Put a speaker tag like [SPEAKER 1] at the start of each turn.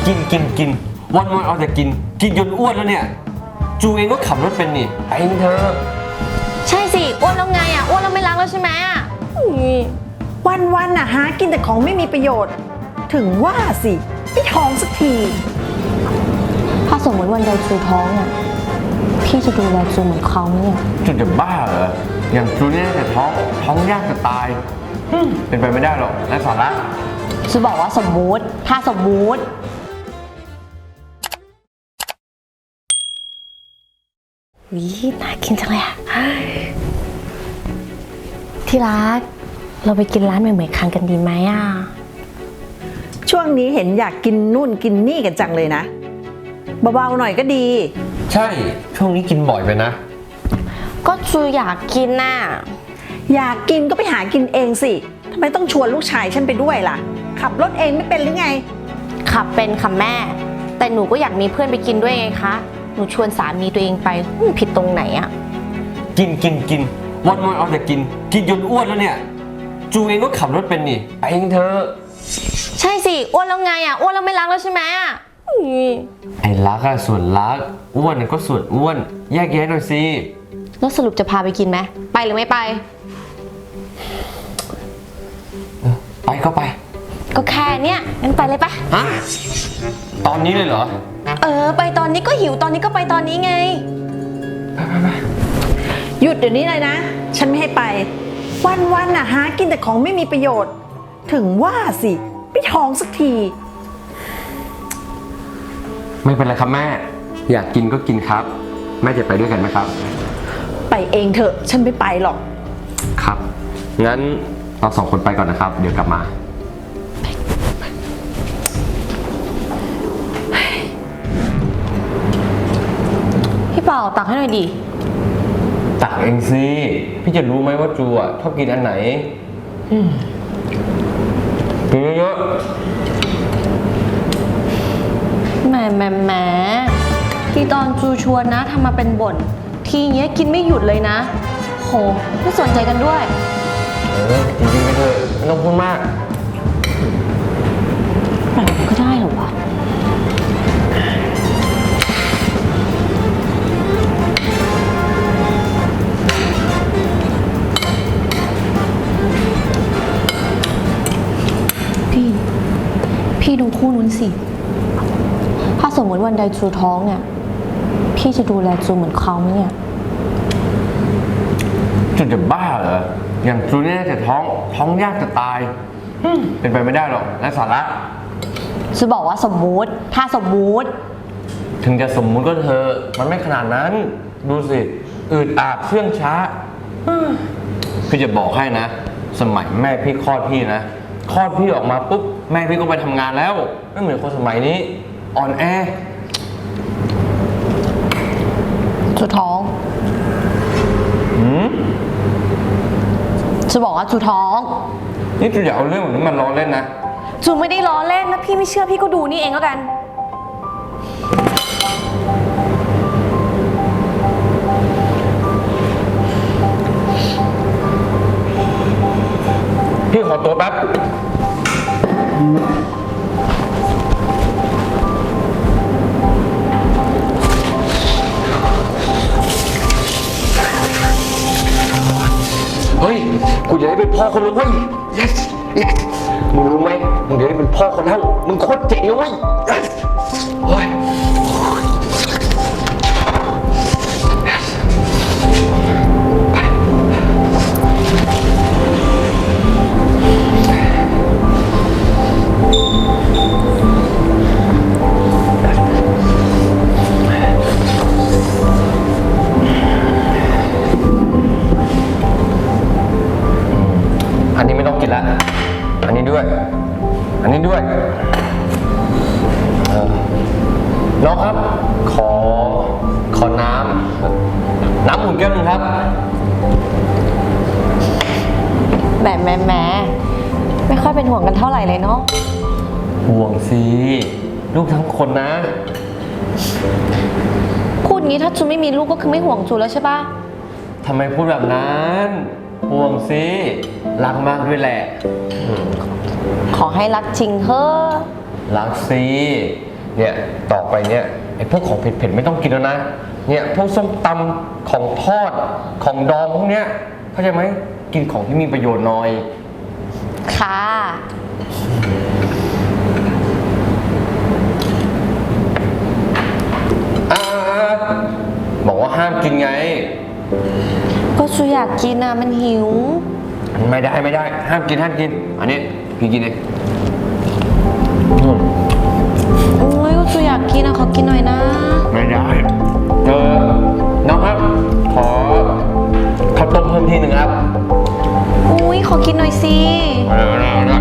[SPEAKER 1] กินวันเอาแต่กินจนอ้วนแล้วเนี่ยจูเองก็ขับรถเป็นนี่ไปเองเธอ
[SPEAKER 2] ใช่สิอ้วนแล้วไงอ่ะอ้วนแล้วไม่รักแล้วใช่ไหมอ่ะ
[SPEAKER 3] วันน่ะหากินแต่ของไม่มีประโยชน์ ถึงว่าสิไม่ท้องสักที
[SPEAKER 2] ถ้าสมมติวันใดจูท้องอ่ะพี่จะดูแลจูเหมือนเขาไหมเนี่ย
[SPEAKER 1] จูจะบ้าเหรออย่างจูเนี่ยแต่ท้องยากจะตายเป็นไปไม่ได้หรอกไร้สาระ
[SPEAKER 2] จูบอกว่าสมมุติถ้าสมมุติวิน่ากินจังเลยอ่ะที่รักเราไปกินร้านใหม่ๆคันกันดีไหมอ่ะ
[SPEAKER 3] ช่วงนี้เห็นอยากกินนู่นกินนี่กันจังเลยนะเบาๆหน่อยก็ดี
[SPEAKER 1] ใช่ช่วงนี้กินบ่อยไปนะ
[SPEAKER 2] ก็จูอยากกินน่ะ
[SPEAKER 3] อยากกินก็ไปหากินเองสิทำไมต้องชวนลูกชายฉันไปด้วยล่ะขับรถเองไม่เป็นหรือไง
[SPEAKER 2] ขับเป็นค่ะแม่แต่หนูก็อยากมีเพื่อนไปกินด้วยไงคะหนูชวนสามีตัวเองไปผิดตรงไหนอะ
[SPEAKER 1] กินวันเอาแต่กินจนอ้วนแล้วเนี่ยจูเองก็ขับรถเป็นนี่ไปเองเธอ
[SPEAKER 2] ใช่สิอ้วนแล้วไงอะอ้วนแล้วไม่รักแล้วใช่ไหมอะ
[SPEAKER 1] ไอ้รักอะส่วนรักอ้วนก็ส่วนอ้วนแยกแยะหน่อยสิ
[SPEAKER 2] แล้วสรุปจะพาไปกินไหมไปหรือไม่ไป
[SPEAKER 1] ไปก็ไป
[SPEAKER 2] ก็แค่เนี้ยงั้นไปเลยปะ
[SPEAKER 1] ฮะตอนนี้เลยเหรอ
[SPEAKER 2] ไปตอนนี้ก็หิวตอนนี้ก็ไปตอนนี้ไง
[SPEAKER 1] ไป
[SPEAKER 3] หยุดเดี๋ยวนี้เลยนะฉันไม่ให้ไปวันน่ะหากินแต่ของไม่มีประโยชน์ถึงว่าสิไม่ท้องสักที
[SPEAKER 1] ไม่เป็นไรครับแม่อยากกินก็กินครับแม่จะไปด้วยกันไหมครับ
[SPEAKER 3] ไปเองเถอะฉันไม่ไปหรอก
[SPEAKER 1] ครับงั้นเราสองคนไปก่อนนะครับเดี๋ยวกลับมา
[SPEAKER 2] พี่เป่าตักให้หน่อยดิ
[SPEAKER 1] ตักเองสิพี่จะรู้ไหมว่าจูอ่ะชอบกินอันไหนกินเยอะ
[SPEAKER 2] แหมที่ตอนจูชวนนะทำมาเป็นบ่นทีเงี้ยกินไม่หยุดเลยนะโหไม่สนใจกันด้วย
[SPEAKER 1] จริงๆไปเถอะไม่ต้องพูดมาก
[SPEAKER 2] แบบก็ได้เหรอวะพี่ดูคู่นู้นสิถ้าสมมติวันใดจูท้องเนี่ยพี่จะดูแลจูเหมือนเขาไหมเนี่ย
[SPEAKER 1] จูจะบ้าเหรออย่างจูเนี่ยแต่ท้องยากจะตายเป็นไปไม่ได้หรอกไร้สาระ
[SPEAKER 2] จูบอกว่าสมมุติถ้าสมมุติ
[SPEAKER 1] ถึงจะสมมุติก็เธอมันไม่ขนาดนั้นดูสิอืดอาดเชื่องช้าพี่จะบอกให้นะสมัยแม่พี่คลอดพี่นะคลอดพี่ออกมาปุ๊บแม่พี่ก็ไปทำงานแล้วไม่เหมือนคนสมัยนี้อ่อนแอ
[SPEAKER 2] จูท้องจูบอกว่าจูท้อง
[SPEAKER 1] นี่จูอย่าเอาเรื่องแบบนี้มันล้อเล่นนะ
[SPEAKER 2] จูไม่ได้ล้อเล่นนะพี่ไม่เชื่อพี่ก็ดูนี่เองแล้วกัน
[SPEAKER 1] พี่ขอตัวแป๊บเฮ้ยกูจะได้เป็นพ่อคนแล้วเว้ย yes yes มึงรู้ไหมมึงจะได้เป็นพ่อคนแล้วมึงโคตรเจ๋งเลยเว้ย yes โอ้ยอันนี้ไม่ต้องกินละอันนี้ด้วยน้องครับขอน้ำอุ่นแก้วนึงครับ
[SPEAKER 2] แหมไม่ค่อยเป็นห่วงกันเท่าไหร่เลยเนาะ
[SPEAKER 1] ห่วงสิลูกทั้งคนนะ
[SPEAKER 2] พูดงี้ถ้าจูไม่มีลูกก็คือไม่ห่วงจูแล้วใช่ปะ
[SPEAKER 1] ทำไมพูดแบบนั้นห่วงสิรักมากด้วยแหละ
[SPEAKER 2] ขอให้รักจริงเถอะ
[SPEAKER 1] รักสิเนี่ยต่อไปเนี่ยไอ้พวกของเผ็ดๆไม่ต้องกินแล้วนะเนี่ยพวกส้มตำของทอดของดองพวกเนี้ยเข้าใจไหมกินของที่มีประโยชน์หน่อย
[SPEAKER 2] ค่ะ
[SPEAKER 1] อ่าบอกว่าห้ามกินไง
[SPEAKER 2] ก็ซูอยากกินอะมันหิว
[SPEAKER 1] ไม่ได้ห้ามกินอันนี้พี่กินเองอืม
[SPEAKER 2] โอ้ยก็ซูอยากกินอะขอกินหน่อยนะ
[SPEAKER 1] ไม่ได้น้องครับ ขอข้าวต้มเพิ่มทีหนึ่งครับ
[SPEAKER 2] อุ้ยขอกินหน่อยสิ
[SPEAKER 1] เอา